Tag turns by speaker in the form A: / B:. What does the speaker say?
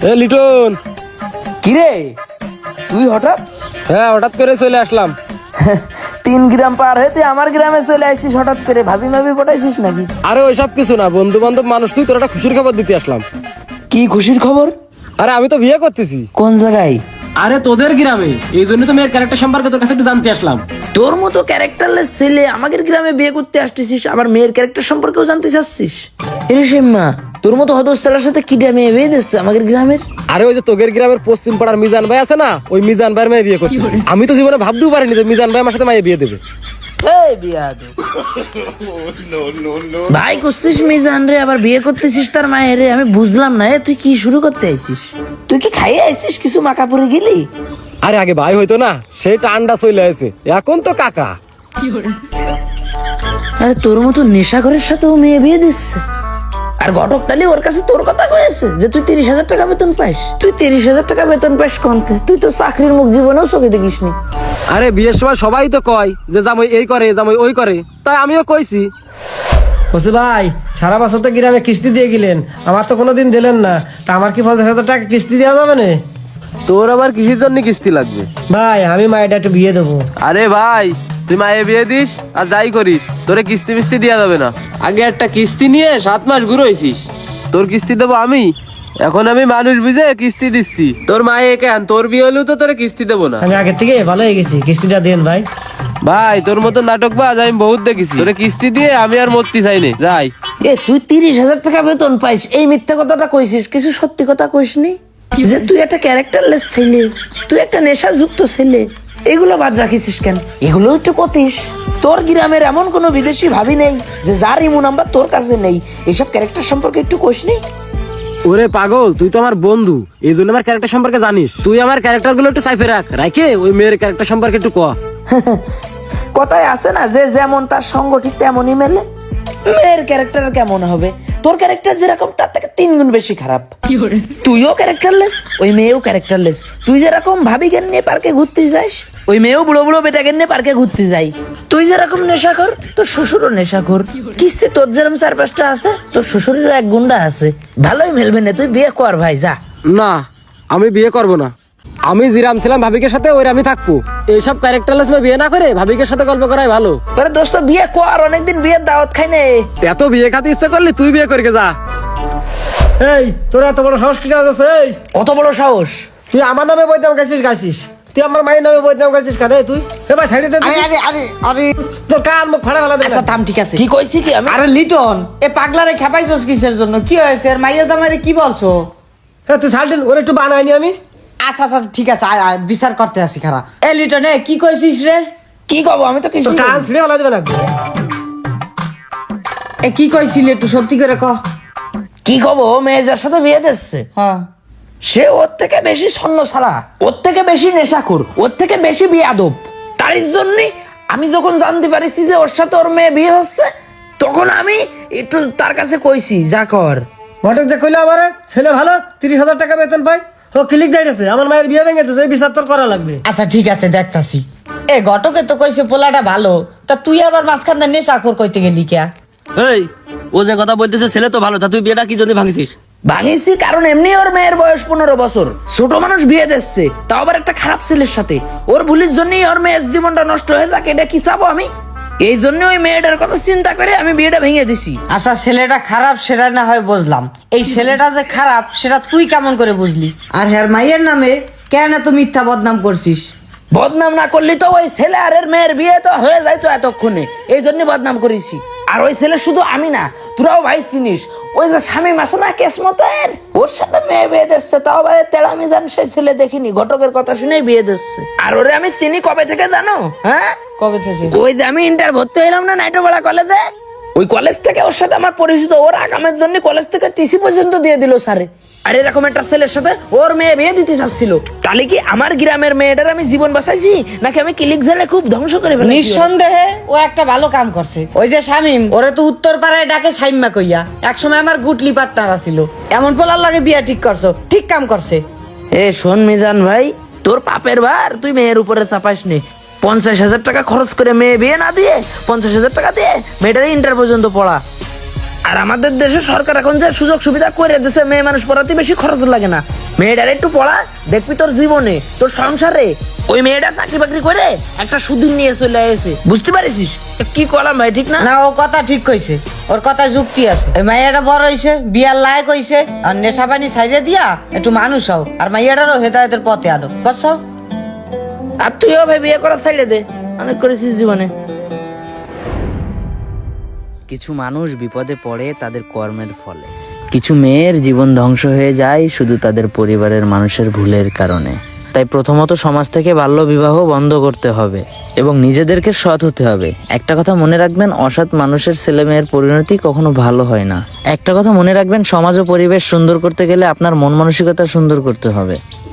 A: লিটন,
B: কিরে তুই হঠাৎ?
A: হ্যাঁ হঠাৎ করে চলে আসলাম।
B: 3 গ্রাম পার হয়ে তুই আমার গ্রামে চলে আসছিস হঠাৎ করে? ভাবি পটাইছিস নাকি?
A: আরে ওইসব কিছু না, বন্ধু বান্ধব মানুষ, তুই তোর একটা খুশির খবর দিতে আসলাম।
B: কি খুশির খবর?
A: আরে আমি তো বিয়ে করতেছি।
B: কোন জায়গায়?
A: আরে তোদের গ্রামে, এই জন্য তো মেয়ের ক্যারেক্টার সম্পর্কে তোর কাছে একটু জানতে আসলাম।
B: তোর মতো ক্যারেক্টারলেস ছেলে আমাদের গ্রামে বিয়ে করতে আসতেছিস, আবার মেয়ের ক্যারেক্টার সম্পর্কেও জানতে চাচ্ছিস? এরে সেম্মা, তোর মতো হদস ছেলের সাথে কিডা মেয়ে বিয়ে দিচ্ছে আমাদের গ্রামের?
A: আরে ওই যে তোদের গ্রামের পশ্চিম পাড়ার মিজান ভাই আছে না, ওই মিজান ভাইয়ের মেয়ে বিয়ে করতেছি। আমি তো জীবনে ভাবতেও পারিনি যে মিজান ভাই আমার সাথে মাইয়ে বিয়ে দেবে।
B: ভাই করছিস মিজান রে, আবার বিয়ে করতেছিস তার মায়ের রে? আমি বুঝলাম না, তুই কি শুরু করতে আইছিস? তুই কি খাইয়ে আইছিস? কিছু মাকা পরে গেলি?
A: আরে আগে ভাই হইতো না, সেই টান্ডা চলে আছে, এখন তো কাকা।
B: আরে তোর মতো নেশাখোরের সাথেও মেয়ে বিয়ে দিচ্ছে, আর ঘটকটালি ওর কাছে তোর কথা কয়েছে যে তুই 30,000 টাকা বেতন পাইস। তুই 30,000 টাকা বেতন পাইস কোনতে? তুই তো চাকরির মুখ জীবনেও চোখে দেখিসনি।
A: আরে বিয়ের সময় সবাই তো কয় যে জামাই এই করে জামাই ওই করে, তাই আমিও কইছি।
C: বলছি ভাই, সারা বছর তো গ্রামে কিস্তি দিয়ে গেলেন, আমার তো কোনোদিন দিলেন না, তা আমার কি 50,000 টাকা কিস্তি দেওয়া যাবে না?
A: তোর আবার কিসের জন্য কিস্তি লাগবে?
C: ভাই আমি মায়ের একটু বিয়ে দেবো।
A: আরে ভাই, তুই মায়ে বিয়ে দিস আর যাই করিস, তোরে কিস্তি মিস্তি দেওয়া যাবে না। আগে একটা কিস্তি নিয়ে 7 মাস ঘুরোইছিস, তোর কিস্তি দেবো আমি। এখন আমি মানুষ বুঝে কিস্তি দিচ্ছি, তোর মায়ে কেন, তোর বিয়ে হলেও তো তোরে কিস্তি দেবো না।
C: আমি আগে থেকে ভালো হয়ে গেছি, কিস্তিটা দেন ভাই।
A: ভাই তোর মতো নাটকবাজ আমি বহুত দেখেছি, তোরে কিস্তি দিয়ে আমি আর মরতে চাইনি, যাই।
B: তুই 30,000 টাকা বেতন পাইস, এই মিথ্যা কথাটা কইছিস, কিছু সত্যি কথা কইসনি? যে তুই একটা ক্যারেক্টারলেস ছেলে, তুই একটা নেশাযুক্ত ছেলে, এগুলো বাদ রাখিস কেন? এগুলো একটু কতিস। তোর গ্রামের এমন কোনো বিদেশি ভাবি নেই যে যার ইমু নাম্বার তোর কাছে নেই? এসব ক্যারেক্টার সম্পর্কে একটু কইসনি?
A: ওরে পাগল, তুই তো আমার বন্ধু, এই জন্য আমার ক্যারেক্টার সম্পর্কে জানিস। তুই আমার ক্যারেক্টার গুলো একটু সাইফে রাখে ওই মেয়ের ক্যারেক্টার সম্পর্কে একটু ক।
B: কথায় আছে না যে যেমন তার সঙ্গ ঠিক তেমনই মেলে। মেয়ের ক্যারেক্টার কেমন হবে? তোর ক্যারেক্টার যেরকম তার থেকে 3 গুণ বেশি খারাপ। তুইও ক্যারেক্টারলেস, ওই মেয়েও ক্যারেক্টারলেস। তুই যেরকম ভাবি জ্ঞান নিয়ে পার্কে ঘুরতে যাস, ওই মেয়েও বুড়ো বুড়ো বেটা জ্ঞান নিয়ে পার্কে ঘুরতে যাই। তুই যেরকম নেশাখোর, তোর শ্বশুরও নেশাখোর। কিস্তি তোর যেরকম 4-5টা আছে, তোর শ্বশুরেরও 1 গুন্ডা আছে। ভালোই মেলবে না, তুই বিয়ে কর ভাই, যা।
A: না, আমি বিয়ে করব না। আমি জিরাম ছিলাম ভাবিকের সাথে, ওই আমি থাকবো। এইসব ক্যারেক্টারলেস মেয়ে বিয়ে না করে ভাবিকের সাথে গল্প করাই ভালো।
B: আরে দোস্ত বিয়ে কর, অনেকদিন বিয়ের দাওয়াত খাই নে।
A: এত বিয়ে খাতে ইচ্ছা করলি তুই বিয়ে করে যা।
C: এই তোর এত বড় সাহস কি আছে? এই
B: কত বড় সাহস?
C: তুই আমার নামে বইদাম গাইছিস, তুই আমার মায়ের নামে বইদাম গাইছিস কেন? তুই এবার সাইডে দে। তোর কান মুখ ফাড়া ফেলা দেবে।
D: আচ্ছা থাম, ঠিক আছে।
B: কি কইছি কি আমি?
D: আরে লিটন, এ পাগলারে খেপাইছস কিসের জন্য? কি হয়েছে? আর মাইয়া জামাইরে কি বলছো?
C: হ্যাঁ তুই সাইডে, ওর একটু বানাইনি আমি।
D: আচ্ছা আচ্ছা ঠিক আছে, আয় আয়, বিচার করতে আসি খারা। এ লিটন, এ কি কইছিস রে?
B: কি কব? আমি তো কিছু
C: তোর কান ছিঁড়ে ফেলা দেবে না।
D: এ কি কইছিলি একটু সত্যি করে ক।
B: কি কব? মেয়ে যার সাথে বিয়ে দিচ্ছে,
D: হ্যাঁ,
B: সে ওর থেকে বেশি ছন্ন ছাড়া, ওর থেকে বেশি নেশাখোর, ওর থেকে বেশি বেয়াদব। তার জন্য আমি যখন জানতে পারিছি যে ওর সাথে ওর মেয়ে বিয়ে হচ্ছে, তখন আমি একটু তার কাছে কইছি যা কর।
C: ঘটক যে কইলো আমার ছেলে ভালো, 30,000 টাকা বেতন পাই, ও ক্লিক যাইতেছে, আমার মায়ের বিয়ে ভেঙে দিতেছে, এই বিচার তোর করা লাগবে।
D: আচ্ছা ঠিক আছে, দেখতাছি। এ ঘটকে তো কইছে পোলাটা ভালো, তা তুই আবার মাঝখান দিয়ে নেশাখোর কইতে গেলি কে?
E: এই, ও যে কথা বলতেছে ছেলে তো ভালো, তা তুই বিয়েটা কি জন্য ভাঙিছিস?
B: ভাঙিছি কারণ এমনি ওর মেয়ের বয়স 15 বছর, ছোট মানুষ বিয়ে দিচ্ছে, তাও আবার একটা খারাপ ছেলের সাথে। ওর ভুলের জন্যই ওর মেয়ের জীবনটা নষ্ট হয়ে যাক, এটা কি চাবো আমি? এই জন্য ওই মেয়েটার কথা চিন্তা করে আমি বিয়েটা ভেঙে দিছি।
D: আচ্ছা ছেলেটা খারাপ সেটা না হয় বুঝলাম, এই ছেলেটা যে খারাপ সেটা তুই কেমন করে বুঝলি? আর হ্যার মাইয়ের নামে কেন এত মিথ্যা বদনাম করছিস?
B: বদনাম না করলি তো ওই ছেলে আর এর মেয়ের বিয়ে তো হয়ে যাইতো এতক্ষণে, এই জন্য বদনাম করেছি। আর ওই ছেলে শুধু আমি না, তোরাও ভাই চিনিস, ওই যে স্বামী মাসে না কেসমতের, ওর সাথে মেয়ে বিয়ে দিচ্ছে, তাও আবার তেড়ামি জান সেই ছেলে দেখিনি, ঘটকের কথা শুনেই বিয়ে দিচ্ছে। আর ওরে আমি চিনি কবে থেকে জানো? হ্যাঁ,
D: কবে থেকে?
B: ওই যে আমি ইন্টার ভর্তি হইলাম না নাইটোপাড়া কলেজে, ওই কলেজ থেকে ওর সাথে আমার পরিচিত। ওর আকামের জন্য কলেজ থেকে টিসি পর্যন্ত দিয়ে দিল স্যারে। আর এরকম একটা ছেলের সাথে ওর মেয়ে বিয়ে দিতে চাচ্ছিল। তাহলে কি আমার গ্রামের মেয়েটার আমি জীবন বাঁচাইছি, নাকি আমি ক্লিক ঝেলে খুব ধ্বংস করে ফেলেছি?
D: নিঃসন্দেহে ও একটা ভালো কাম করছে। ওই যে শামিম, ওরে তো উত্তর পাড়ায় ডাকে সাইম্মা কইয়া, একসময় আমার গুটলি পার্টনার ছিল। এমন পোলার লাগে বিয়া ঠিক করছো, ঠিক কাম করছে।
B: এ শোন মিজান ভাই, তোর পাপের ভার তুই মেয়ের উপরে চাপাইস নে। 50,000 টাকা খরচ করে মেয়ে বিয়ে না দিয়ে 50,000 টাকা দিয়ে মেয়েটার ইন্টার পর্যন্ত পড়া। আর আমাদের দেশে সরকার এখন যে সুযোগ সুবিধা করে দিচ্ছে, মেয়ে মানুষ পড়াতে বেশি খরচ লাগে না। মেয়েটার একটু পড়া, দেখবি তোর জীবনে তোর সংসারে ওই মেয়েটা চাকরি বাকরি করে একটা সুদিন নিয়ে চলে এসে, বুঝতে পারিস? কি করলাম ভাই, ঠিক না?
D: না, ও কথা ঠিক কইছে, ওর কথা যুক্তি আছে। এই মাইয়াটা বড় হইছে, বিয়ার লায়ক হইছে, আর নেশা পানি ছাইড়ে দিয়া একটু মানুষ হও, আর মাইয়াটারও হেদায়েতের পথে আনো, বুঝছো?
B: আর তুইও ভাই বিয়ে করা ছাইড়ে দে, অনেক করেছিস জীবনে।
F: কিছু মানুষ বিপদে পড়ে তাদের কর্মের ফলে, কিছু মেয়ের জীবন ধ্বংস হয়ে যায় শুধু তাদের পরিবারের মানুষের ভুলের কারণে। তাই প্রথমত সমাজ থেকে বাল্য বিবাহ বন্ধ করতে হবে এবং নিজেদেরকে সৎ হতে হবে। একটা কথা মনে রাখবেন, অসৎ মানুষের ছেলে মেয়ের পরিণতি কখনো ভালো হয় না। একটা কথা মনে রাখবেন, সমাজ ও পরিবেশ সুন্দর করতে গেলে আপনার মন মানসিকতা সুন্দর করতে হবে।